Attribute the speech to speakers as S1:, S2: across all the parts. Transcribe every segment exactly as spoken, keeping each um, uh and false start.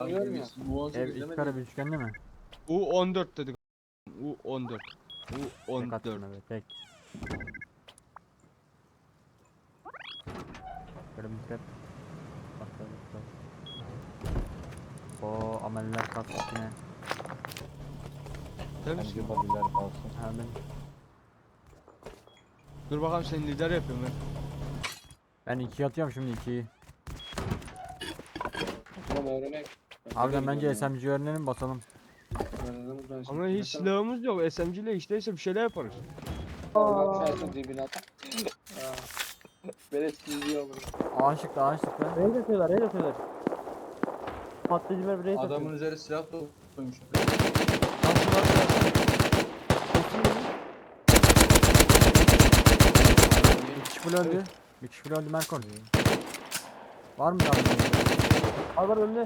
S1: Ev iki kare bir üçgen değil mi?
S2: U on dört dedik. U on dört. U
S1: Tek attım
S2: on dört.
S1: evet tek. Böyle bir dikkat. Bak bak bak. Oo ameller kalktı yine.
S2: Değil misin?
S3: Bence babiler kalsın.
S1: Ha ben,
S2: Dur bakalım seni lider yapıyorum ben.
S1: ben ikiye atıyorum şimdi ikiyi.
S4: Tamam öğrenek.
S1: Harbiden bence S M G öğrenelim basalım.
S2: Ama hiç silahımız yok. S M G ile işteyse bir şeyler yaparız.
S4: Allah çarpsın dibine at. Beleş izliyor bunu.
S1: Aşık aşık lan.
S5: Raid atıyorlar, raid atıyorlar. Patlayıcı ver, raid atıyor.
S4: Adamın üzeri silah koymuş.
S1: Bir kişi full öldü. Bir kişi full öldü Merkon. Var mı daha?
S5: Al var önüne.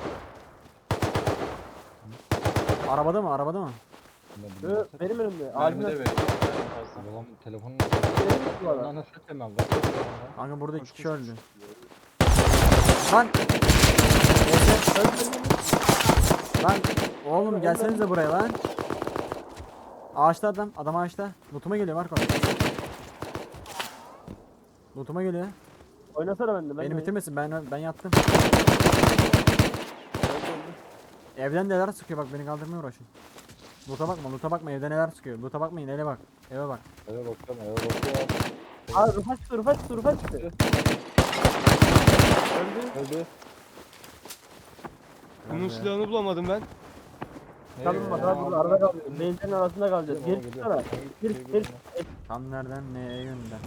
S1: Arabada mı? Arabada mı?
S5: Ö, benim önümde.
S4: Mermi
S5: Albine
S4: de veriyor.
S3: Babam telefonun
S5: benim bu adam.
S3: Ondan nasıl ötemem?
S1: Kanka burada iki
S2: Koş,
S1: kişi
S2: koş,
S1: öldü. Lan! Lan oğlum gelsenize buraya lan. Ağaçta adam. Adam ağaçta. Lootuma geliyor Marco. Lootuma geliyor.
S5: Oynasana bende. Ben
S1: Beni
S5: de-
S1: bitirmesin. Ben ben yattım. Evden neler sıkıyor bak beni kaldırmaya uğraşın. Loot'a bakma, loot'a bakma evde neler sıkıyor. Loot'a bakmayın, ele bak. Eve bak.
S3: Eve bakıyorum, eve bakıyorum.
S5: Aa Rıfat çıktı, Rıfat çıktı, Rıfat çıktı. Öldü.
S3: Öldü.
S2: Bunun
S1: Nerede?
S2: silahını bulamadım ben.
S5: Kalın bak abi burada arada kalıyor. Benzinlerin arasında kalacağız. Geri çıksana. Geri geri.
S1: Tam nereden neye yönden?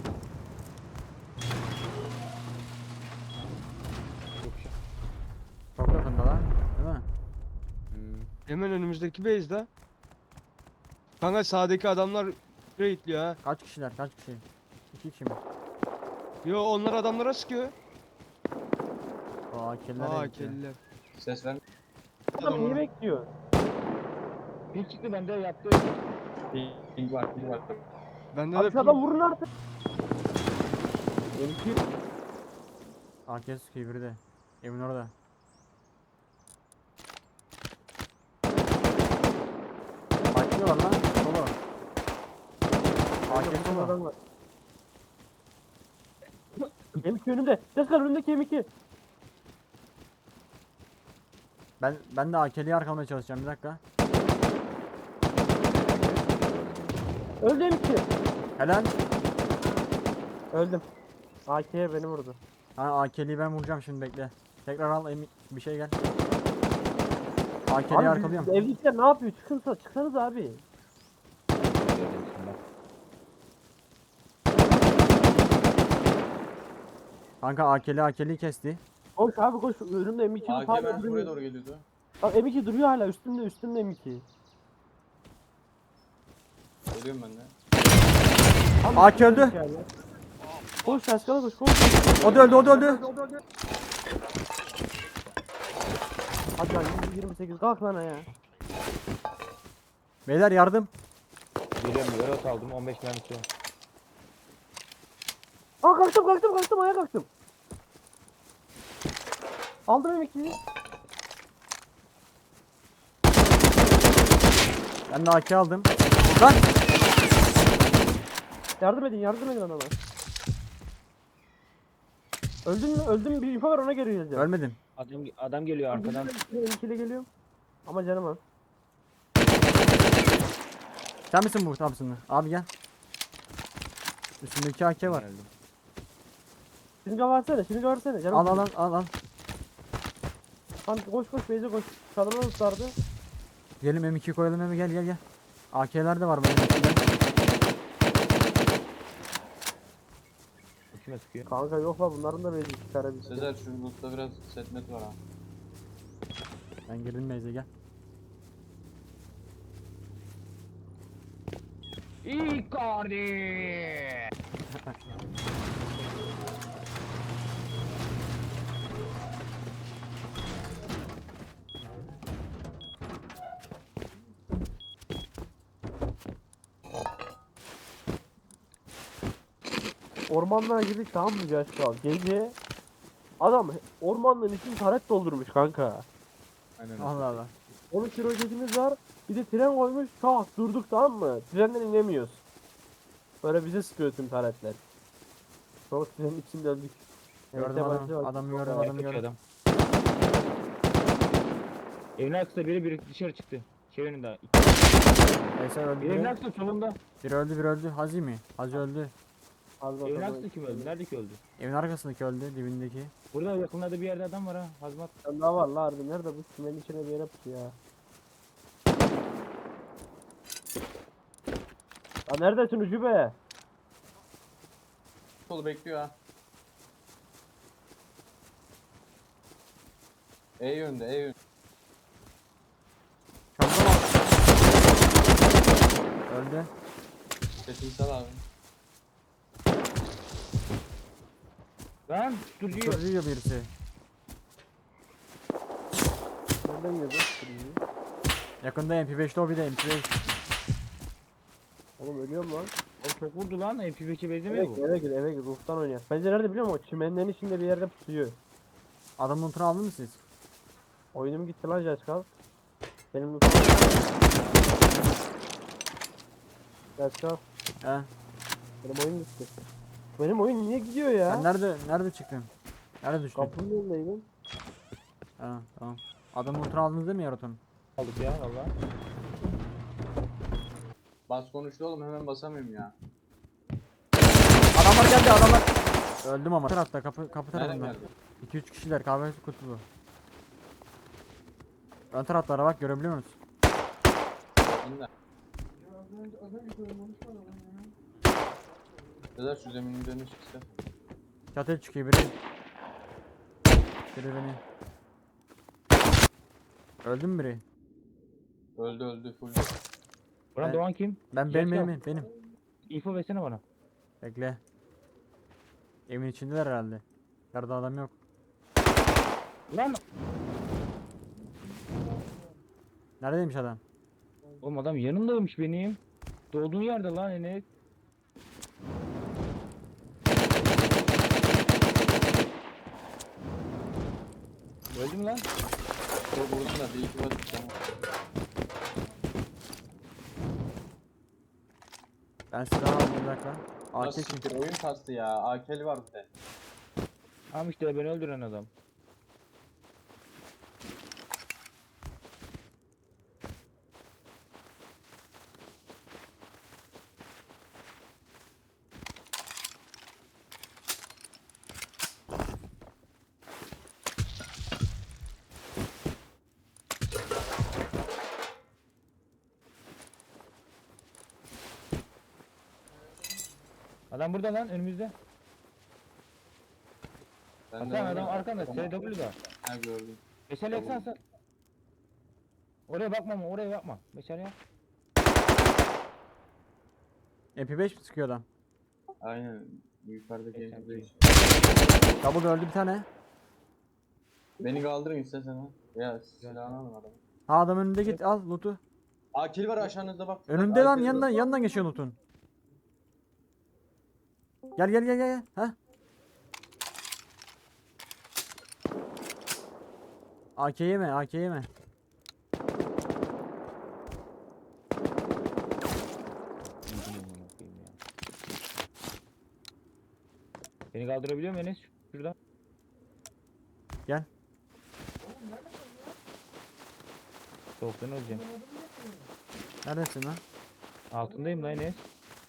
S1: Çok yakında lan. Değil mi?
S2: Hemen önümüzdeki base'de. Kanka sağdaki adamlar raidliyor ha.
S1: Kaç kişiler? Kaç kişi? İki kişi mi?
S2: Yo onlar adamlara sıkıyor.
S1: Aa killer.
S2: Aa kelliler.
S4: Ses ver.
S5: Adam niye bekliyor?
S3: Bir çıktı bende yaptı.
S4: Ping var, ping var.
S2: Bende
S5: Abi
S2: de
S5: şu adam vurun artık. Benimki.
S1: A K sıkıyor biri de. Evin orada. Başlıyorlar lan. Solo. A K
S5: Benimki
S1: solo.
S5: adam var. M iki önümde. Ses kal önümdeki M iki.
S1: Ben ben de A K'liyi arkalamaya çalışacağım bir dakika.
S5: Öldü M iki.
S1: Helal.
S5: Öldüm. A K'ye beni vurdu.
S1: Ha A K'liyi ben vuracağım şimdi bekle. Tekrar al Emi- bir şey gel. A K'liyi
S5: Abi
S1: arkalıyorum.
S5: evdekiler ne yapıyor? Çıkınsa çıksanız abi.
S1: Kanka A K'li A K'liyi kesti.
S5: Koş abi koş. Önümde M iki
S4: A K
S5: hala
S4: ben buraya
S5: duruyor.
S4: doğru geliyordu.
S5: Bak M iki duruyor hala üstümde üstümde M iki.
S4: Geliyorum ben de.
S5: Abi,
S1: A K öldü.
S5: yani. Koş Taşkan'a koş koş.
S1: O da öldü o da öldü.
S5: Hadi lan yüz yirmi sekiz kalk lan ya.
S1: Beyler yardım.
S3: Geliyorum, yarot aldım, on beş mermisi var.
S5: Aa kalktım kalktım kalktım ayağa kalktım. Aldım M ikiyi.
S1: Ben de A K aldım. Lan.
S5: Yardım edin yardım edin adama. Öldün mü? Öldüm mü? Bir info var ona göre yazacağım.
S1: Ölmedim.
S3: Adam, adam geliyor arkadan.
S5: M ikiyle geliyorum. Ama canım az.
S1: Sen misin bu Thompson'lı? Abi gel. Üstündeki A K var.
S3: Geldim.
S5: Şırınga versene şırınga versene. Canım
S1: Al al al al al.
S5: Lan koş koş Beyze koş. Kadına ıslardı.
S1: Gelin M iki koyalım Emi gel gel gel. A K'ler de var benim içinde.
S3: Bu kime sıkıyor?
S5: Kanka yok la bunların da Beyze çıkarabildi.
S4: Sezer şu loot'ta biraz setmet var ha.
S1: Ben girdim meyze gel.
S3: Icardi!
S5: Ormanlığa girdik tamam mı Yaşkal? Gece adam ormanlığın içini taret doldurmuş kanka.
S4: Aynen.
S1: Allah Allah.
S5: on üç roketimiz var. Bir de tren koymuş. Tak durduk tamam mı? Trenden inemiyoruz. Böyle bize sıkıyor tüm taretler. Sonra trenin içinde öldük.
S1: Gördüm
S5: Neyse,
S1: adamı.
S5: başlıyor.
S1: Adamı gördüm
S3: Ayak
S1: adamı
S3: yapıyor
S1: gördüm.
S3: adam. Evin arkasında biri biri dışarı çıktı. Şey önünde.
S1: Neyse öldü
S3: Bir evin
S1: biri.
S3: arkasında solunda.
S1: Biri öldü biri öldü. Hazi mi? Hazi öldü.
S5: Az
S3: Evin
S5: bakalım.
S3: arkasında kim öldü? Nerede ki öldü?
S1: Evin arkasındaki öldü. Dibindeki.
S3: Burada yakınlarda bir yerde adam var ha. Hazmat.
S5: Sen daha var la harbi. Nerede bu? Tümenin içine bir yere pusu ya. Ya neredesin Ucube?
S4: Solu bekliyor ha. E yönde, E yönde.
S1: Çabuk ol. Öldü.
S4: Sesini sal abi.
S3: Lan duruyor.
S1: Tutuyor birisi.
S5: Nereden girdi?
S1: Yakında M P beş lobby'de M P beş.
S5: Oğlum ölüyorum lan.
S3: O çok vurdu lan. M P beşe
S5: Eve
S3: benzemiyor
S5: gir,
S3: bu.
S5: eve gir, eve gir. Ruhtan oynayak. Bence nerede biliyor musun? O çimenlerin içinde bir yerde pusuyor.
S1: Adamın lootunu aldın mı siz?
S5: Oyunum gitti lan Jaskal. Benim lootum. Jaskal.
S1: He.
S5: Benim oyun gitti. Benim oyun niye gidiyor ya?
S1: Sen nerede nerede çıktın? Nerede düştün?
S5: Kapının önündeydim.
S1: Ha, tamam. Adamın lootunu aldınız değil mi Yaraton?
S3: Aldık ya valla.
S4: Bas konuştu oğlum, hemen basamıyorum ya.
S1: Adamlar geldi adamlar. Öldüm ama. Tarafta kapı kapı
S4: Nereden
S1: tarafında.
S4: geldi?
S1: iki üç kişiler kahve kutulu. Ön taraflara bak görebiliyor musun?
S4: İnle. Sezer şu zeminin üzerine çıksa.
S1: Çatıya çıkıyor biri. Biri beni. Öldü mü biri?
S4: Öldü öldü full.
S3: Buran
S1: Ben-
S3: Doğan kim?
S1: Ben benim
S3: Jaskal.
S1: benim benim.
S3: İnfo versene bana.
S1: Bekle. Evin içindeler herhalde. Yarda adam yok.
S3: Lan.
S1: Neredeymiş adam?
S3: Oğlum adam yanımdaymış benim. Doğduğun yerde lan Enes. Öldü mü lan?
S4: Çok vurdum da bir iki var. Tamam.
S1: Ben silah aldım bir dakika. A K
S4: Nasıl
S1: çünkü.
S4: siktir, oyun kastı ya. A K'li var bir de.
S3: Ama işte beni öldüren adam. Adam burada lan önümüzde.
S4: Ben
S3: Hasan
S4: de
S3: adam
S4: oynadım.
S3: arkanda S W'da.
S4: Ha gördüm.
S3: Meşale yaksana Hasan. Oraya bakma ama oraya bakma. Meşale yak.
S1: M P beş mi sıkıyor adam?
S4: Aynen. Yukarıdaki
S3: Geçen
S4: evde.
S1: Double öldü bir tane.
S4: Beni kaldırın istersen ha. Ya silahını alın adamı.
S1: Ha adam önünde git al loot'u.
S4: A K'li var aşağınızda bak.
S1: Önünde
S4: Bak,
S1: lan
S4: A K'li
S1: yanından
S4: var.
S1: yanından geçiyor loot'un. Gel gel gel gel. Ha? A K yeme, A K yeme.
S3: Beni kaldırabiliyor musun Enes? Şuradan.
S1: Gel.
S3: Soğuktan öleceğim.
S1: Neredesin lan?
S3: Altındayım lan Enes.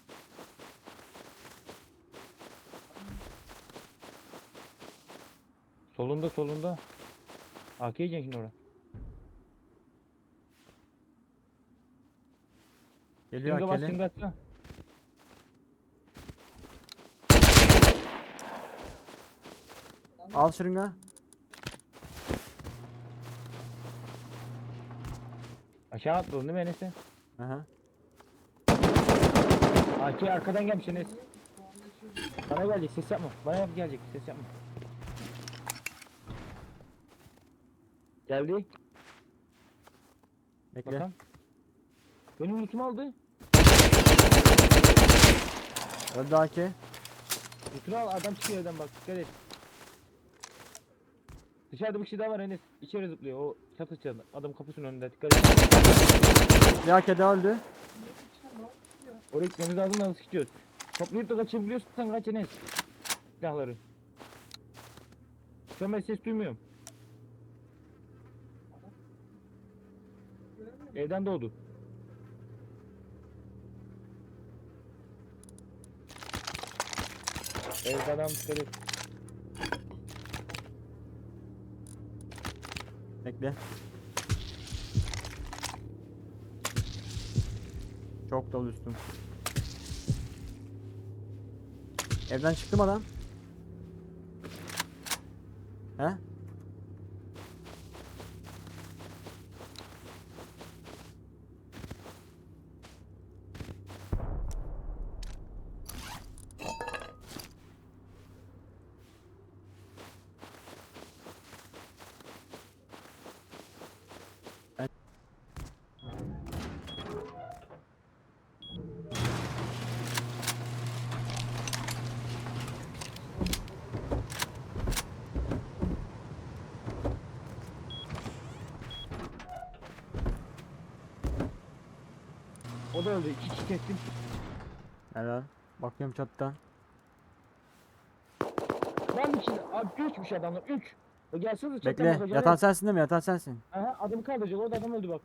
S3: Solunda solunda. A K yiyeceksin şimdi oraya.
S1: Geliyor
S3: Singa bas
S1: A K'li.
S3: singa atsana.
S1: Al şırınga.
S3: Aşağı atladın değil mi Enes sen?
S1: Aha.
S3: A K arkadan gelmiş Enes. Bana gelecek ses yapma. Bana yap gelecek ses yapma. Geldi.
S1: Bekle.
S3: Bakalım. Benim lootumu aldı.
S1: Öldü A K.
S3: Lootunu al adam çıkıyor evden bak dikkat et. Dışarıda bir kişi daha var Enes. İçeri zıplıyor. O çatı çatı. Adam kapısının önünde. Dikkat et.
S1: Ya kedi öldü.
S3: Oraya gitmemiz lazım da nasıl gidiyoruz? Toplayıp da kaçabiliyorsan kaç Enes. Silahları. Şu an ben ses duymuyorum. Evden doğdu. Evde adam dikkat et.
S1: Bekle. Çok dolu üstüm. Evden çıktı mı adam? He?
S3: O da öldü. İki kişi kestim.
S1: Helal. Bakıyorum çatıdan.
S3: Ben bir kişi. Abi üçmüş adamlar. Üç. O gelsene çatıdan
S1: Bekle.
S3: bakacağım.
S1: Yatan sensin değil mi? Yatan sensin.
S3: Aha adamı kaldıracak. Orada adam öldü bak.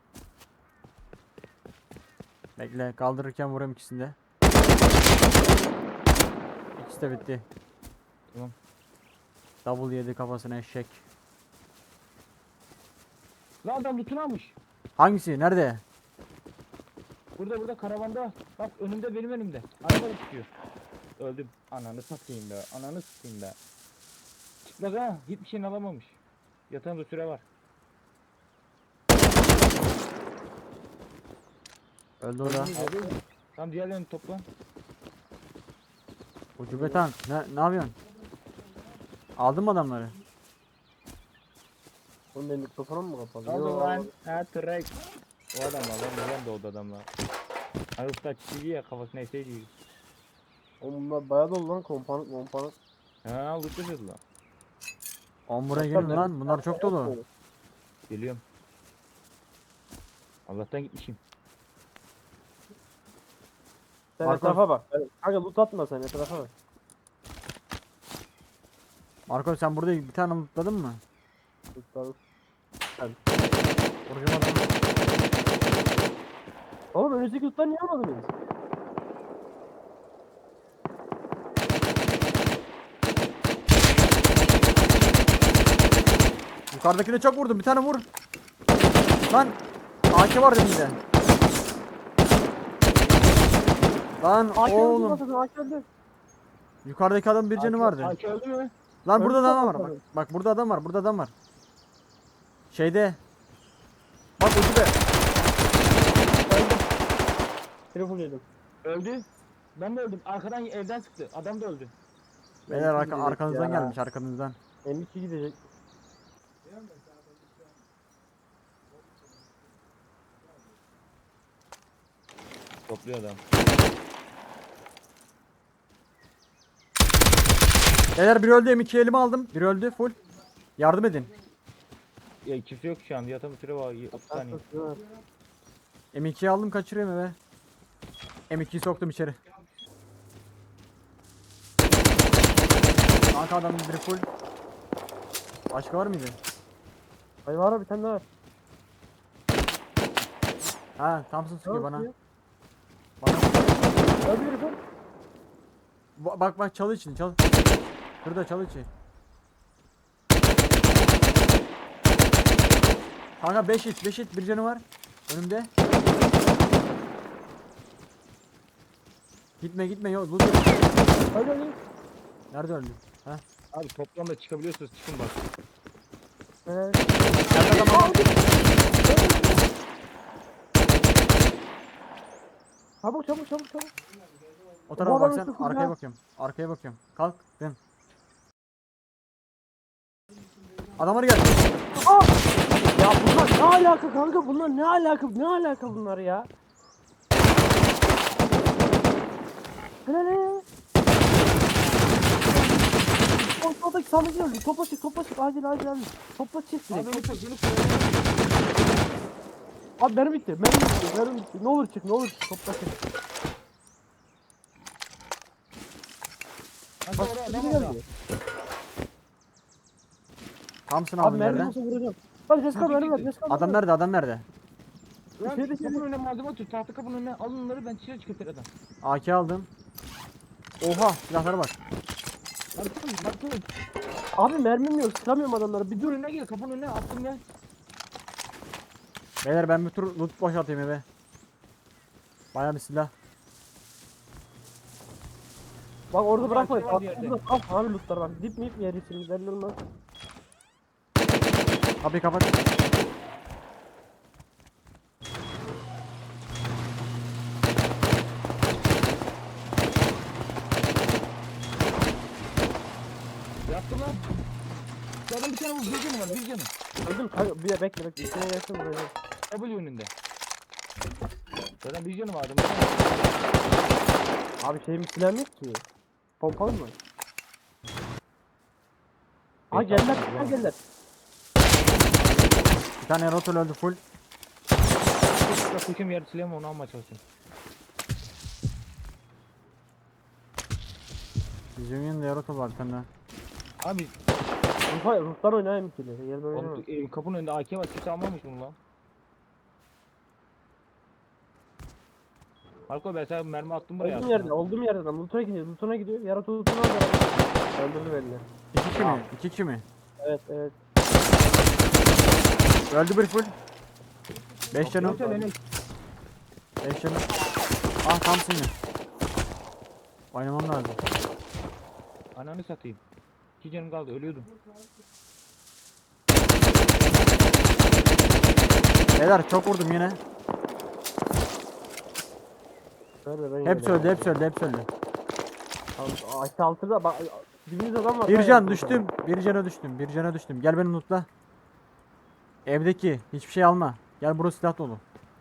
S1: Bekle. Kaldırırken vurayım ikisini de. İkisi de bitti.
S3: Tamam.
S1: Double yedi kafasına eşek.
S3: Lan adam lootunu almış.
S1: Hangisi? Nerede?
S3: Burada burada karavanda. Bak önümde benim önümde. Araba da tutuyor. Öldüm. Ananı satayım be. Ananı satayım be. Çıplak ha. Hiçbir şeyini alamamış. Yatağında süre var.
S1: Öldü o da.
S3: Tam diğerlerini topla.
S1: Ucube tank. Ne, ne yapıyorsun? Aldın mı adamları?
S5: Oğlum benim mikrofonum mu kapalı?
S3: Aldı
S5: Yo,
S3: lan. Ha trek. O adam var lan. Neden doğdu adamlar? Arıfta çiçeği ya kafasına eseydi.
S5: Oğlum bunlar bayağı dolu lan kompanık kompanık.
S3: Ha lootlayacağız lan.
S1: On buraya gelin lan. Bunlar çok dolu.
S3: Geliyorum. Allah'tan gitmişim.
S5: Sen
S1: Marco.
S5: etrafa bak. Kanka loot atma sen etrafa bak.
S1: Marco sen burada bir tane lootladın mı?
S5: Lootladım.
S1: Vuracağım adamı.
S5: Oğlum önümüzdeki lootları niye almadınız?
S1: Yukarıdakine çok vurdum. Bir tane vur. Lan. A K var elimde. Lan oğlum.
S5: Akıldı.
S1: Yukarıdaki adam bir canı vardı.
S3: Aki öldü mü?
S1: Lan burada
S5: Öldü
S1: adam
S5: mü?
S1: var. Bak, bak burada adam var. Burada adam var. Şeyde. Bak ucube.
S5: Telefon yedim.
S3: Öldü. Ben de öldüm. Arkadan evden sıktı. Adam da öldü.
S1: Beyler arka,
S5: gidecek
S1: arkanızdan
S5: ya.
S1: gelmiş arkanızdan.
S5: M iki gidecek.
S3: Topluyor adam.
S1: Beyler biri öldü. M iki elime aldım. Biri öldü full. Yardım edin.
S3: Ya kimse yok şu an. Yatan bir süre var. otuz saniye.
S1: M ikiyi aldım kaçırıyorum eve. M ikiyi soktum içeri. Kanka adamın biri full. Başka var mıydı?
S5: Ay var bir tane daha var.
S1: Ha Thompson sıkıyor bana.
S5: Tamam,
S1: Bana.
S5: Hadi yürü sen.
S1: Ba- Bak bak çalı için çal. Burada çalı için. Kanka beş hit beş hit bir canı var. Önümde. Gitme gitme yok. Loot yok.
S5: Hadi hadi.
S1: Nerede öldü? Ha?
S3: Abi toplamda çıkabiliyorsunuz. Çıkın bak.
S5: Evet.
S1: Nerede adam?
S5: Çabuk çabuk çabuk çabuk.
S1: O tarafa
S5: Bu
S1: bak
S5: adam
S1: sen.
S5: sıfır
S1: Arkaya
S5: ya.
S1: bakıyorum. Arkaya bakıyorum. Kalk. Dön. Adamlar geldi.
S5: Ya bunlar ne alaka kanka bunlar ne alaka ne alaka bunlar ya? Ne ne? sol soldaki sandık geldi. Topla çık topla çık. Acil acil acil. Topla çık
S3: Abi
S5: direkt.
S3: beni koy beni koy.
S5: Abi mermi bitti. Mermi bitti. Mermi bitti. Ne olur çık ne olur çık. Topla çık.
S3: Hadi
S5: Bak
S3: oraya
S5: biri
S3: adam orada.
S5: geldi.
S1: Thompson
S5: Abi
S1: aldım
S5: mermi
S1: yerden.
S5: olsa vuracağım. Hadi Ceska
S3: Çekil,
S5: mermi ver.
S3: çekil.
S5: Ceska mermi
S1: Adam
S5: ver.
S1: nerede? Adam nerede?
S3: Ulan
S5: İçeride, içeride.
S3: kapının önüne malzeme atıyor. Tahta kapının önüne alın onları ben dışarı çıkartırım.
S1: A K aldım. Oha silahlara bak.
S3: Baktım baktım.
S5: Abi mermim yok. Sıkamıyorum adamları. Bir
S3: Bir
S5: dur.
S3: dur önüne gel kapının önüne attım ya.
S1: Beyler ben bir tur loot boşaltayım eve. Bayağı bir silah.
S5: Bak orada bırakma.
S3: şey var bir yerde.
S5: Al abi lootlar var. Dip miyip yer için belli olmaz.
S1: Kapıyı kapat.
S3: Yaptım lan. Şu adam bir tane vur. Bir canı var bir canı.
S5: Öldüm kanka. Bir bekle bekle. İçine gelsin buraya.
S3: W önünde. Zaten bir canı vardı.
S5: Abi şeyim silahım yok ki. Pompalı mı? Ha geldiler. Ha geldiler.
S1: Bir tane rotol öldü full.
S3: Kuşum yarı silahımı onu almaya çalışıyorum.
S1: Bizim yanında rotol var bir tane daha.
S3: Abi
S5: Ruhlar, ruhlar oynayayım ki. Gel böyle.
S3: oğlum, e, kapının önünde A K var. Kimse almamış bunu lan. Marco ben sana mermi attım buraya.
S5: Olduğum yerde, olduğum yerde adam. Loot'a gidiyor, loot'una gidiyor. Yaratı loot'unu aldı. Öldürdü belli.
S1: İki kişi mi? İki kişi mi?
S5: Evet, evet.
S1: Öldü bir full. Beş canım.
S3: Yoksa beni
S1: Beş canım. Ah Thompson yine. Oynamam lazım.
S3: ananı satayım. İki canım kaldı ölüyordum.
S1: Beyler çok vurdum yine.
S5: Ver, ben
S1: Hepsi öldü, hepsi öldü, hepsi öldü.
S5: Aşağı altıda bak. Dibimizde adam var.
S1: Bir
S5: Hayır,
S1: can
S5: burada.
S1: düştüm. Bir cana düştüm. Bir cana düştüm. Gel beni lootla. Evdeki hiçbir şey alma. Gel burası silah dolu.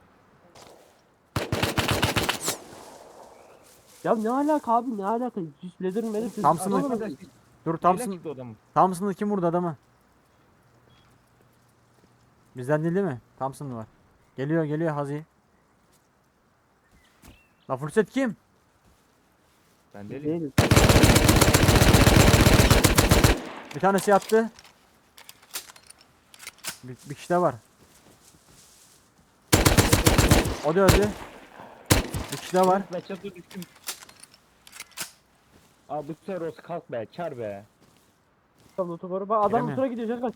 S5: Ya ne alaka abi ne alaka? Hiç leather medir.
S1: Thompson'ı-
S5: Adam var.
S1: Dur
S3: Thompson.
S1: Thompson.
S3: Çıktı adamın.
S1: Thompson'ı kim vurdu adamı? Bizden değil değil mi? Thompson var. Geliyor geliyor Hazi. La fırsat kim?
S3: Ben deli.
S5: Değil.
S1: Bir tanesi yattı. Bir, bir kişi de var. O da öldü. Bir kişi de var.
S3: Ben çatıya düştüm. Abi bu sefer olsa kalk be çar be.
S5: Tam loot'u koru. Bak adam
S1: Giremiyor.
S5: loot'a gidiyor. Cankal.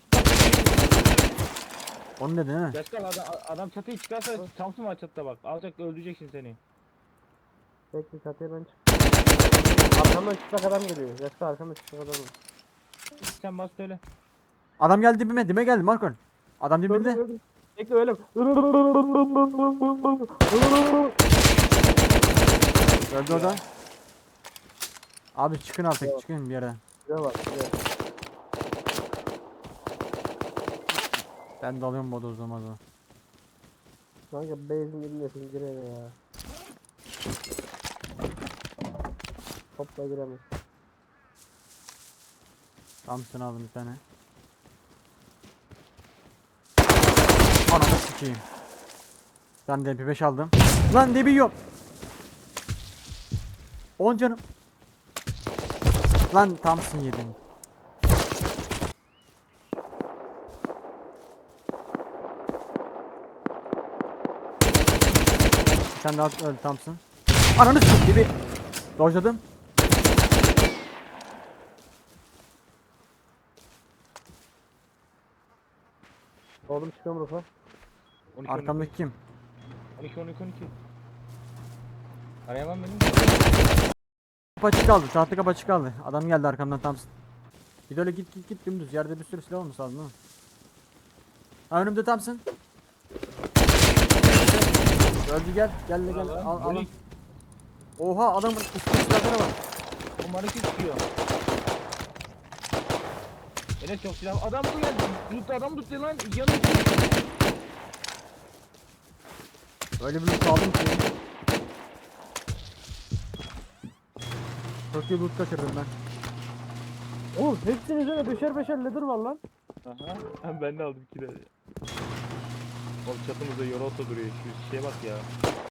S1: Onu dedi değil mi?
S3: Yaşkal adam, adam çatıyı çıkarsa Thompson var çatıda bak. Alacak öldürecek şimdi seni.
S5: Bekle çatıya ben çık. Arkamdan çıplak adam geliyor. Cankal arkamdan çıplak adam var.
S3: Sen bas söyle.
S1: Adam geldi dibime. Dibime geldi Markon. Adam
S5: Gördüm,
S1: dibimde.
S5: gördüm. Bekle öyle.
S1: Öldü o da. Abi çıkın artık
S5: Evet.
S1: çıkın bir yere.
S5: Güzel var. Güzel.
S1: Ben dalıyorum bodozlama da.
S5: Kanka base'in elindesin gir eve ya. Topla giremez.
S1: Thompson aldım bir tane. Ananı sikeyim. Ben de M P beş aldım. Lan debi yok. on canım. Lan Thompson yedim. Bir tane daha öldü Thompson. Ananı sikeyim debi. Dojladım.
S5: Oğlum çıkıyorum rufa.
S3: on iki,
S1: Arkamdaki kim?
S3: on iki on iki on iki. Arayamam benim.
S1: Kapı açık kaldı. Tahta kapı açık kaldı. Adam geldi arkamdan Thompson. Bir de öyle git git git dümdüz. Yerde bir sürü silah olmuş lazım değil mi? Ha önümde Thompson. Öldü gel. Gel gel. gel. Al, al, al. Oha adamın üstünde silahlara bak.
S3: O mariki çıkıyor. Enes çok silah. Adam bu geldi. Loot adam tuttu lan. Yanı
S1: Öyle bir loot aldım ki. Çok iyi loot kaçırdım ben.
S5: Oğlum hepsinin üzerine beşer beşer leather var lan.
S3: Aha. Hem ben de aldım iki de. Oğlum çatımızda Yorota duruyor. Şu şeye bak ya.